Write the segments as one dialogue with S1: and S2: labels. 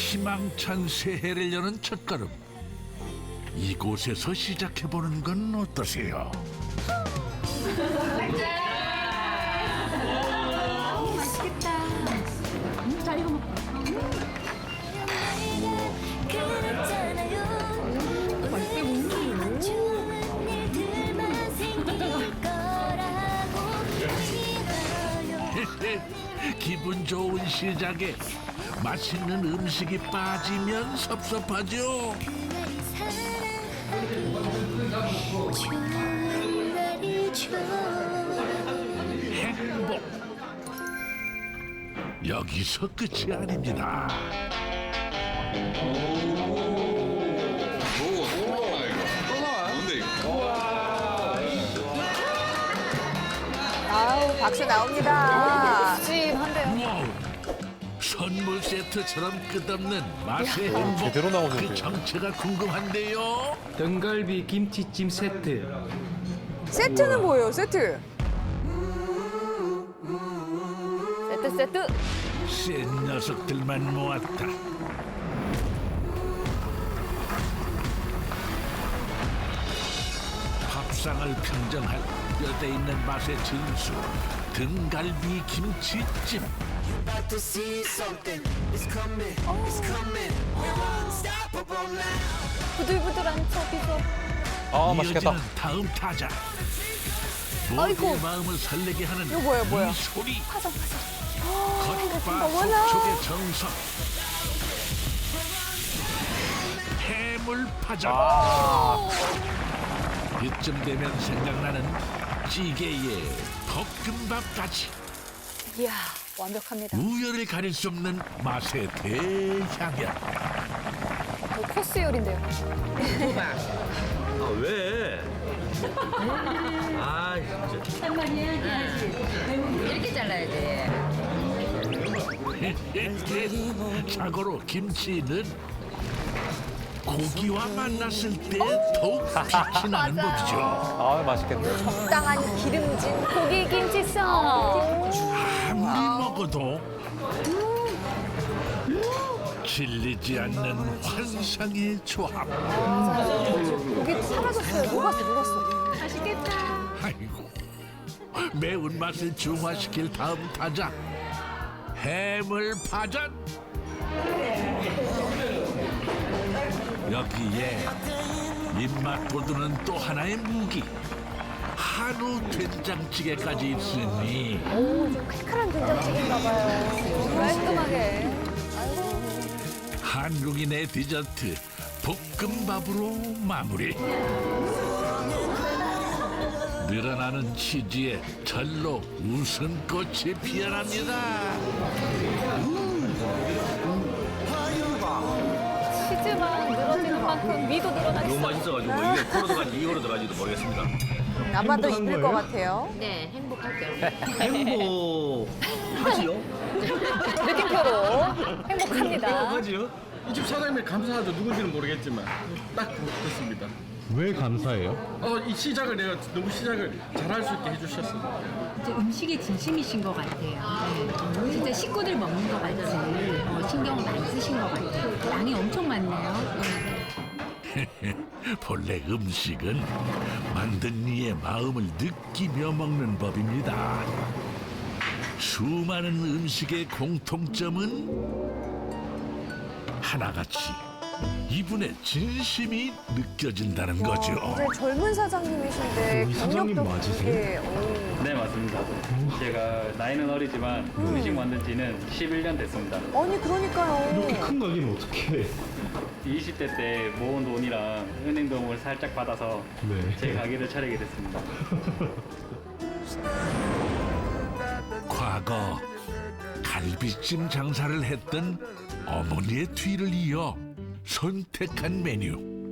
S1: 희망찬 새해를 여는 첫걸음. 이곳에서 시작해보는 건 어떠세요? 기분 좋은 시작에 맛있는 음식이 빠지면 섭섭하죠. 행복 여기서 끝이 아닙니다.
S2: 아우, 박수 나옵니다.
S3: 찜한데요.
S1: 와우, 선물 세트처럼 끝없는 맛의 행복.
S4: 제대로 나오는데요.
S1: 그 정체가 궁금한데요.
S5: 등갈비 김치찜 세트.
S2: 세트는 뭐예요, 세트?
S3: 세트.
S1: 센 녀석들만 모았다. 밥상을 평정할 뼈대 있는 맛의 진수 등갈비 김치찜.
S3: 부들부들한 척이서.
S4: 아, 맛있겠다.
S1: 이어지는 다음 타자.
S3: 아이고.
S1: 모두의 마음을 설레게 하는
S2: 이거 뭐야?
S1: 이 소리.
S3: 파전.
S1: 겉바
S2: 어머나.
S1: 속촉의 정석. 해물파전. 이쯤 되면 생각나는 찌개에 볶음밥까지
S3: 이야, 완벽합니다.
S1: 우열을 가릴 수 없는 맛의 대향연.
S3: 코스 요리인데요.
S6: 아, 왜? 아, 진짜.
S7: 한마디 해야지. 이렇게 잘라야지.
S1: 자고로 김치는 고기와 만났을 때 더욱 빛이 나는 법이죠.
S4: 아, 맛있겠네.
S2: 적당한 기름진
S3: 고기 김치쌈.
S1: 아무리 먹어도 질리지 않는 환상의 조합.
S2: 고기 사라졌어요. 녹았어.
S7: 맛있겠다.
S1: 아이고, 매운맛을 중화시킬 다음 타자 해물파전. 여기에 입맛 돋우는 또 하나의 무기 한우 된장찌개까지 있으니
S2: 오, 좀 칼칼한 된장찌개인가 봐요.
S3: 깔끔하게.
S1: 한국인의 디저트 볶음밥으로 마무리. 늘어나는 치즈에 절로 웃음꽃이 피어납니다.
S3: 치즈만 늘어지는 만큼 위도 늘어나
S6: 너무
S3: 있어.
S6: 맛있어가지고 뭐 이게 코로 들어간지 이거로 들어간지도 모르겠습니다.
S2: 아마도 입을 것 같아요.
S7: 네, 행복할게요.
S6: 행복하지요?
S3: 느낌표로 행복합니다.
S6: 행복하지요?
S8: 이 집 사장님이 감사하죠. 누군지는 모르겠지만 딱 그렇습니다.
S9: 왜 감사해요?
S8: 이 시작을 내가 너무 시작을 잘할 수 있게 해주셨어요.
S7: 이제 음식에 진심이신 것 같아요. 네. 진짜 식구들 먹는 것 같이 신경을 많이 쓰신 것 같아요. 양이 엄청 많네요.
S1: 본래 음식은 만든 이의 마음을 느끼며 먹는 법입니다. 수많은 음식의 공통점은 하나같이 이분의 진심이 느껴진다는 거죠.
S2: 굉장히 젊은 사장님이신데
S9: 이 사장님
S2: 경력도
S9: 맞으세요?
S2: 깊게, 오.
S10: 네, 맞습니다. 제가 나이는 어리지만 음식 만든 지는 11년 됐습니다.
S2: 아니, 그러니까요.
S9: 이렇게 큰 가게는 어떻게 해?
S10: 20대 때 모은 돈이랑 은행 도움을 살짝 받아서
S9: 네.
S10: 제 가게를 차리게 됐습니다.
S1: 과거 갈비찜 장사를 했던 어머니의 뒤를 이어 선택한 메뉴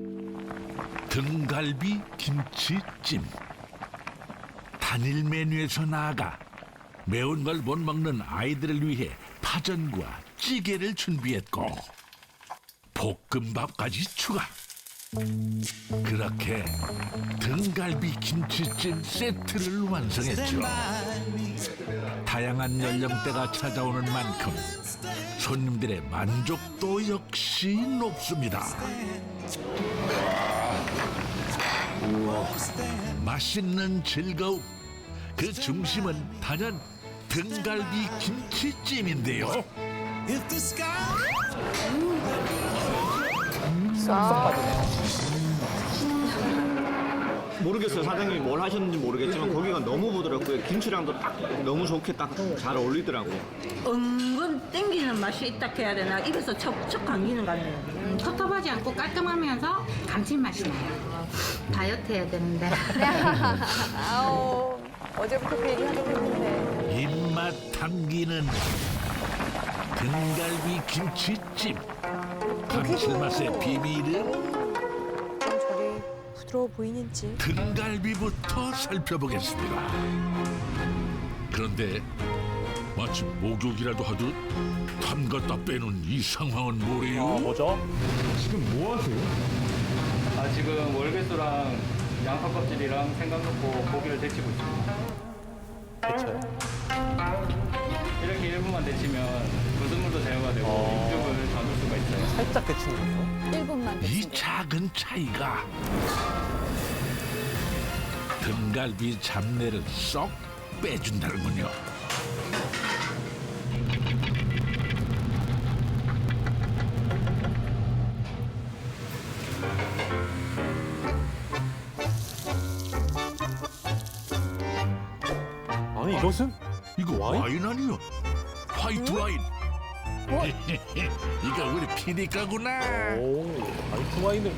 S1: 등갈비 김치찜. 단일 메뉴에서 나아가 매운 걸 못 먹는 아이들을 위해 파전과 찌개를 준비했고 볶음밥까지 추가. 그렇게 등갈비 김치찜 세트를 완성했죠. 다양한 연령대가 찾아오는 만큼 손님들의 만족도 역시 높습니다. 맛있는 즐거움, 그 중심은 단연 등갈비 김치찜인데요.
S8: 모르겠어요. 사장님이 뭘 하셨는지 모르겠지만 고기가 너무 부드럽고요. 김치랑도 딱 너무 좋게 딱 잘 어울리더라고요.
S7: 은근 땡기는 맛이 있다 해야 되나 입에서 척척 감기는 것 같네요. 텁텁하지 않고 깔끔하면서 감칠맛이 나요. 다이어트 해야 되는데.
S2: 아우, 어제부터 그 얘기 하긴 했는데.
S1: 입맛 당기는 등갈비 김치찜. 감칠맛의 비밀은
S2: 좀 저리 부드러워 보이는지.
S1: 등갈비부터 살펴보겠습니다. 그런데 마치 목욕이라도 하듯 담갔다 빼는 이 상황은 뭐래요?
S4: 뭐죠?
S9: 지금 뭐 하세요?
S10: 아, 지금 월계수랑 양파 껍질이랑 생강 넣고 고기를 데치고 있습니다.
S4: 그렇죠.
S10: 이렇게 1분만 데치면 불순물도 제거가 되고 육즙을 잡을 수가 있어요.
S4: 살짝 데치는 거죠.
S3: 1분만
S1: 이
S3: 됐습니다.
S1: 작은 차이가 등갈비 잡내를 쏙 빼준다는군요.
S4: 아니 이것은?
S1: 이거
S4: 와인?
S1: 와인 아니요? 화이트 와인. 이거 우리 피디가구나.
S4: 오, 화이트 와인을.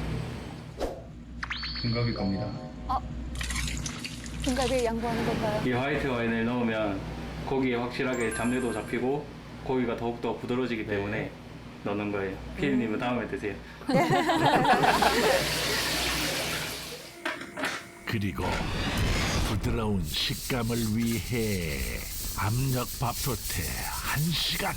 S10: 등갈비 겁니다.
S3: 등갈비에 양보하는 건가요?
S10: 이 화이트 와인을 넣으면 고기에 확실하게 잡내도 잡히고 고기가 더욱더 부드러워지기 때문에 넣는 거예요. 피디님은 다음에 드세요.
S1: 그리고 부드러운 식감을 위해 압력 밥솥에 1시간.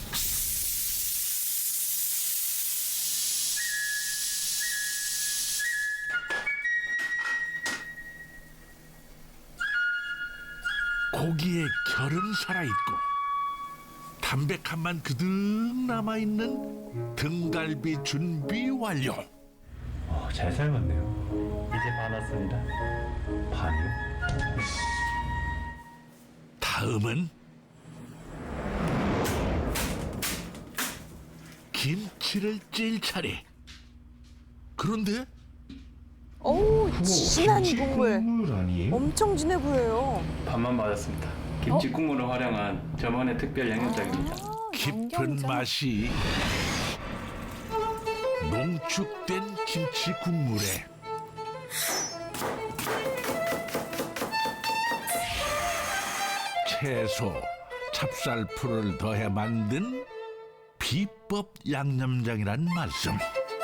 S1: 고기의 결은 살아있고 담백함만 그득 남아있는 등갈비 준비 완료.
S9: 잘 삶았네요.
S10: 이제 반 왔습니다.
S9: 반이요?
S1: 다음은 김치를 찔 차례. 그런데
S2: 어우, 진한 국물.
S9: 국물 아니에요?
S2: 엄청 진해 보여요.
S10: 반만 맞았습니다. 김치 국물을 활용한 저만의 특별 양념장입니다.
S1: 깊은
S3: 양념장.
S1: 맛이 농축된 김치 국물에 채소, 찹쌀풀을 더해 만든 비법 양념장이란 말씀.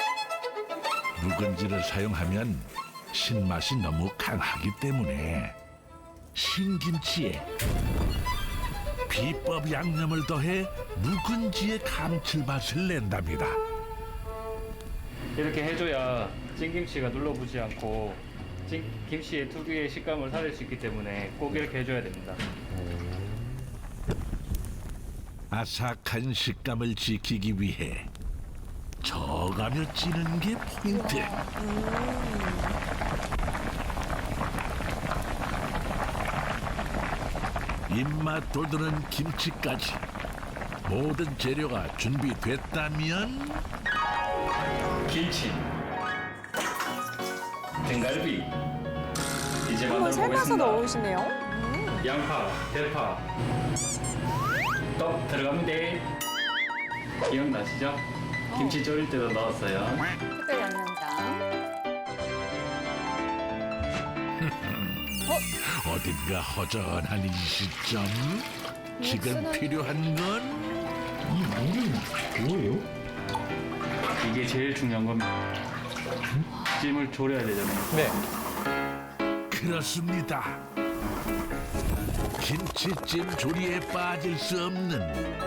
S1: 묵은지를 사용하면 신맛이 너무 강하기 때문에 신김치에 비법 양념을 더해 묵은지의 감칠맛을 낸답니다.
S10: 이렇게 해줘야 찐김치가 눌러붙지 않고 김치의 특유의 식감을 살릴 수 있기 때문에 꼭 이렇게 해줘야 됩니다.
S1: 아삭한 식감을 지키기 위해 저가며 찌는 게 포인트. 입맛 돋우는 김치까지 모든 재료가 준비됐다면
S10: 김치, 등갈비, 이제
S2: 한번
S10: 만들어
S2: 삶아서
S10: 보겠습니다.
S2: 넣으시네요.
S10: 양파, 대파, 떡 들어갑니다. 기억나시죠? 김치 졸일 때도 넣었어요.
S3: 특별 양념장.
S1: 어딘가 허전한 이 시점. 지금
S3: 육수는-
S1: 필요한 건
S9: 이 물은 뭐예요?
S10: 이게 제일 중요한 겁니다. 찜을 졸여야 되잖아요.
S4: 네.
S1: 그렇습니다. 김치찜 조리에 빠질 수 없는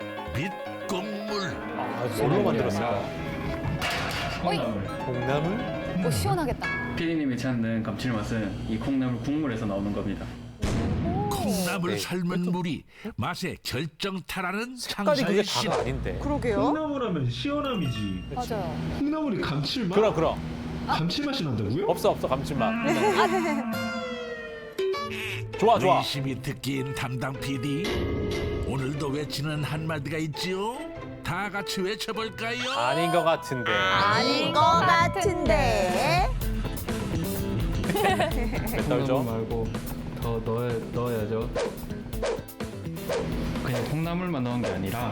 S1: 밑국물.
S4: 아, 뭘로 만들었어요?
S3: 어이.
S10: 콩나물.
S4: 콩나물?
S3: 시원하겠다.
S10: 피디님이 찾는 감칠맛은 이 콩나물 국물에서 나오는 겁니다.
S1: 콩나물 콩나물
S4: 네.
S1: 삶은 물이 맛의 결정타라는
S4: 색깔이 그게
S1: 장사의 신.
S4: 다가 아닌데.
S2: 그러게요.
S9: 콩나물하면 시원함이지.
S3: 맞아요.
S9: 콩나물이 감칠맛?
S4: 그럼.
S9: 감칠맛이 난다고요?
S4: 없어 감칠맛. 좋아.
S1: 의심이 듣기인 담당 PD. 오늘도 외치는 한마디가 있지요. 다 같이 외쳐볼까요?
S4: 아닌 것 같은데.
S2: 아닌 것 같은데.
S4: 몇 달죠?
S5: 말고 더 넣어야죠. 그냥 콩나물만 넣은 게 아니라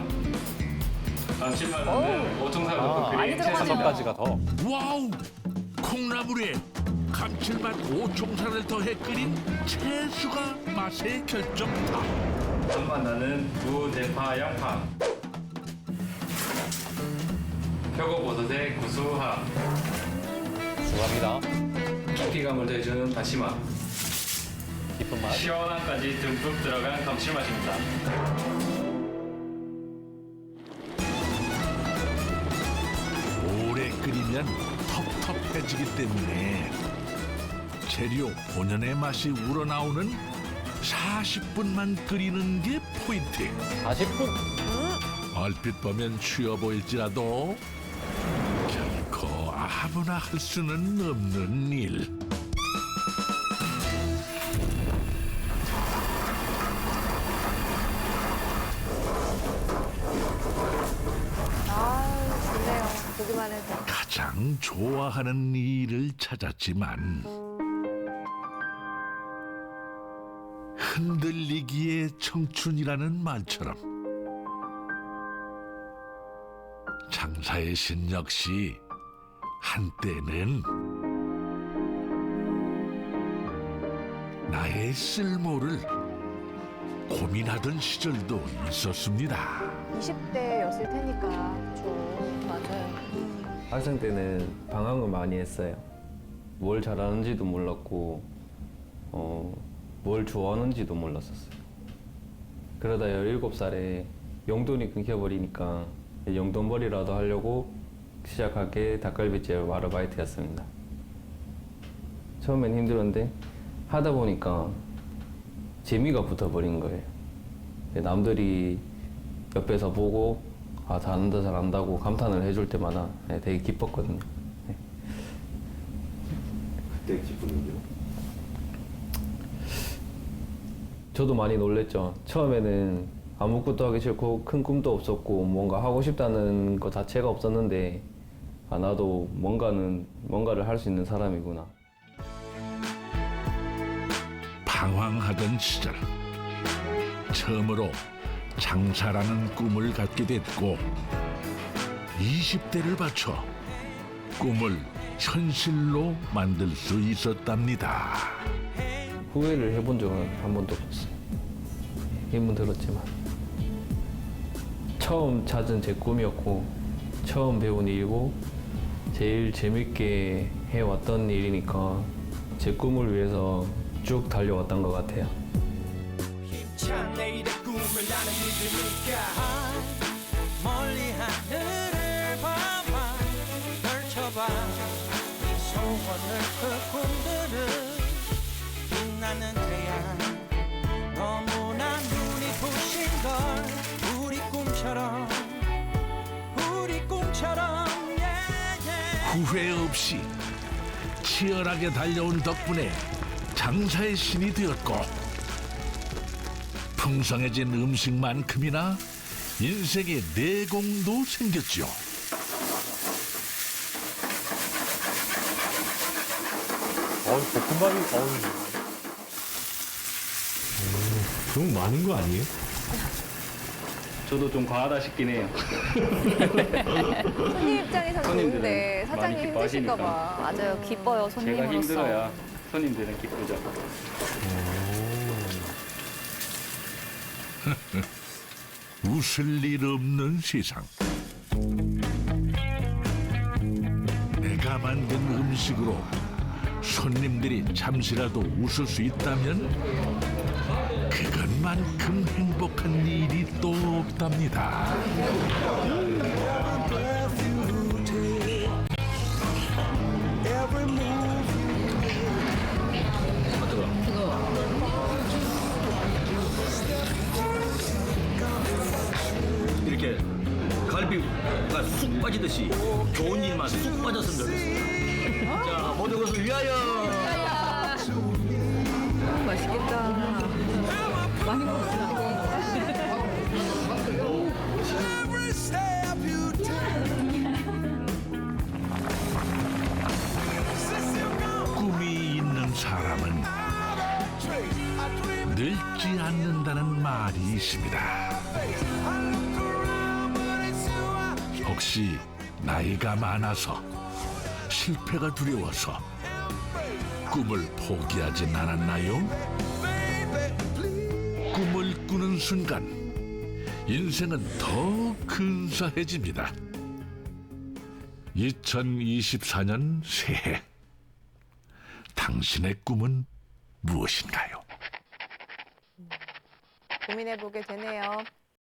S10: 감칠맛은 오종사가
S4: 아,
S10: 그
S3: 많이 들어가네요.
S4: 5가지가 더.
S1: 와우! 콩나물에 감칠맛 5총사를 더해 끓인 채수가 맛의 결정타.
S10: 맛 나는 무대파 양파. 표고버섯의 구수함.
S4: 좋아합니다.
S10: 깊이감을 더해주는 다시마.
S4: 깊은 맛.
S10: 시원함까지 듬뿍 들어간 감칠맛입니다.
S1: 오래 끓이면 텁텁해지기 때문에 재료 본연의 맛이 우러나오는 40분만 끓이는 게 포인트.
S4: 40분.
S1: 얼핏 보면 쉬워 보일지라도 결코 아무나 할 수는 없는 일.
S2: 아, 좋네요. 보기만 해도.
S1: 가장 좋아하는 일을 찾았지만 흔들리기에 청춘이라는 말처럼 장사의 신 역시 한때는 나의 쓸모를 고민하던 시절도 있었습니다.
S2: 20대였을 테니까. 그렇죠.
S3: 맞아요.
S11: 학생 때는 방황을 많이 했어요. 뭘 잘하는지도 몰랐고 뭘 좋아하는지도 몰랐었어요. 그러다 17살에 용돈이 끊겨버리니까 용돈벌이라도 하려고 시작한 게 닭갈비집 아르바이트였습니다. 처음엔 힘들었는데 하다 보니까 재미가 붙어버린 거예요. 남들이 옆에서 보고 아 잘한다고 감탄을 해줄 때마다 되게 기뻤거든요.
S9: 그때 기분은요?
S11: 저도 많이 놀랬죠. 처음에는 아무것도 하기 싫고 큰 꿈도 없었고 뭔가 하고 싶다는 것 자체가 없었는데 아 나도 뭔가를 할 수 있는 사람이구나.
S1: 방황하던 시절 처음으로 장사라는 꿈을 갖게 됐고 20대를 바쳐 꿈을 현실로 만들 수 있었답니다.
S11: 후회를 해본 적은 한 번도 없었어요. 힘은 들었지만 처음 찾은 제 꿈이었고 처음 배운 일이고 제일 재밌게 해왔던 일이니까 제 꿈을 위해서 쭉 달려왔던 것 같아요.
S12: 멀리 하늘을 봐봐 펼쳐봐 이 소원을 그 꿈들을 빛나는 태양 너무나 눈이 부신 걸 우리 꿈처럼
S1: 후회 없이 치열하게 달려온 덕분에 장사의 신이 되었고 풍성해진 음식만큼이나 인생의 내공도 생겼죠.
S4: 볶음밥이
S9: 너무 많은 거 아니에요?
S10: 저도 좀 과하다 싶긴 해요.
S2: 손님 입장에서
S10: 손님들은
S2: 좋은데 사장님
S10: 많이
S2: 힘드실까
S10: 기뻐하시니까.
S2: 봐.
S3: 맞아요. 기뻐요.
S10: 제가
S3: 손님으로서.
S10: 힘들어야 손님들은 기쁘죠.
S1: 웃을 일 없는 세상. 내가 만든 음식으로 손님들이 잠시라도 웃을 수 있다면 그것만큼 행복한 일이 또 없답니다.
S6: 커피가 쑥 빠지듯이 좋은 일만 쑥 빠졌으면 좋겠습니다. 자, 모든 것을 위하여.
S2: 맛있겠다.
S3: 많이 먹었어.
S12: Every step you
S1: 꿈이 있는 사람은 늙지 않는다는 말이 있습니다. 혹시 나이가 많아서 실패가 두려워서 꿈을 포기하진 않았나요? 꿈을 꾸는 순간 인생은 더 근사해집니다. 2024년 새해 당신의 꿈은 무엇인가요?
S2: 고민해보게 되네요.